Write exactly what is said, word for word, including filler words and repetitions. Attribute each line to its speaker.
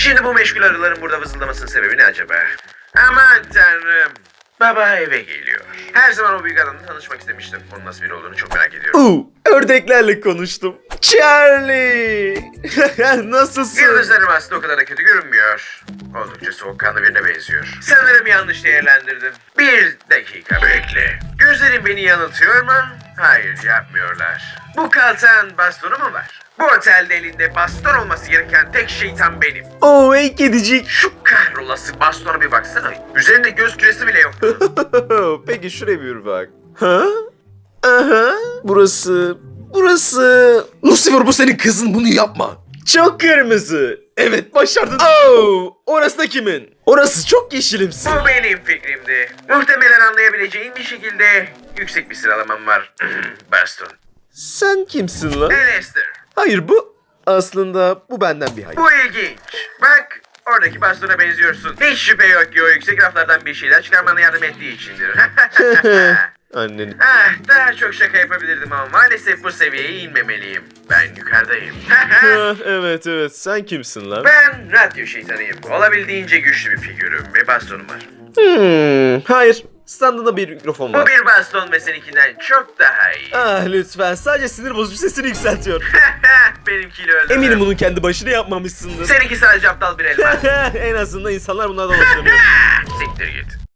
Speaker 1: Şimdi bu meşgul arıların burada vızıldamasının sebebi ne acaba? Aman tanrım. Baba eve geliyor. Her zaman o büyük adamla tanışmak istemiştim. Onun nasıl biri olduğunu çok merak ediyorum.
Speaker 2: Uuu, ördeklerle konuştum. Charlie! Nasılsın?
Speaker 1: Yıldızlarım aslında o kadar da kötü görünmüyor. Oldukça soğukkanlı birine benziyor. Sanırım yanlış değerlendirdim. Bir dakika bekle. Gözlerim beni yanıltıyor mu? Hayır, yapmıyorlar. Bu kaltan bastonu mu var? Bu otelde elinde baston olması gereken tek şeytan benim.
Speaker 2: Oo, ey kedicik.
Speaker 1: Şu kahrolası bastona bir baksana. Üzerinde göz küresi bile yok.
Speaker 2: Peki şuraya bir bak. Ha? Aha. Burası... Burası...
Speaker 3: Lucifer, bu senin kızın, bunu yapma.
Speaker 2: Çok kırmızı. Evet, başardın. Oo, orası da kimin? Orası çok yeşilimsi.
Speaker 1: Bu benim fikrimdi. Muhtemelen anlayabileceğin bir şekilde yüksek bir sıralamam var. Baston.
Speaker 2: Sen kimsin lan?
Speaker 1: Lester.
Speaker 2: Hayır, bu... Aslında bu benden bir hayır.
Speaker 1: Bu ilginç. Bak, oradaki bastona benziyorsun. Hiç şüphe yok ki o yüksek raflardan bir şeyler çıkarmana yardım ettiği içindir.
Speaker 2: Annen.
Speaker 1: Ah, daha çok şaka yapabilirdim ama maalesef bu seviyeye inmemeliyim. Ben yukarıdayım.
Speaker 2: Ha, evet evet, sen kimsin lan?
Speaker 1: Ben radyo şeytanıyım. Olabildiğince güçlü bir figürüm ve bastonum var.
Speaker 2: Hmm, hayır. Standında bir mikrofon
Speaker 1: Bu
Speaker 2: var.
Speaker 1: bir baston ve seninkinden çok daha iyi.
Speaker 2: Ah lütfen, sadece sinir bozucu sesini yükseltiyor.
Speaker 1: Benimkiyle öldürdüm.
Speaker 2: Eminim bunun kendi başına yapmamışsındır.
Speaker 1: Seninki sadece aptal bir elma.
Speaker 2: En azından insanlar bunlardan hoşlanıyor.
Speaker 1: Siktir git.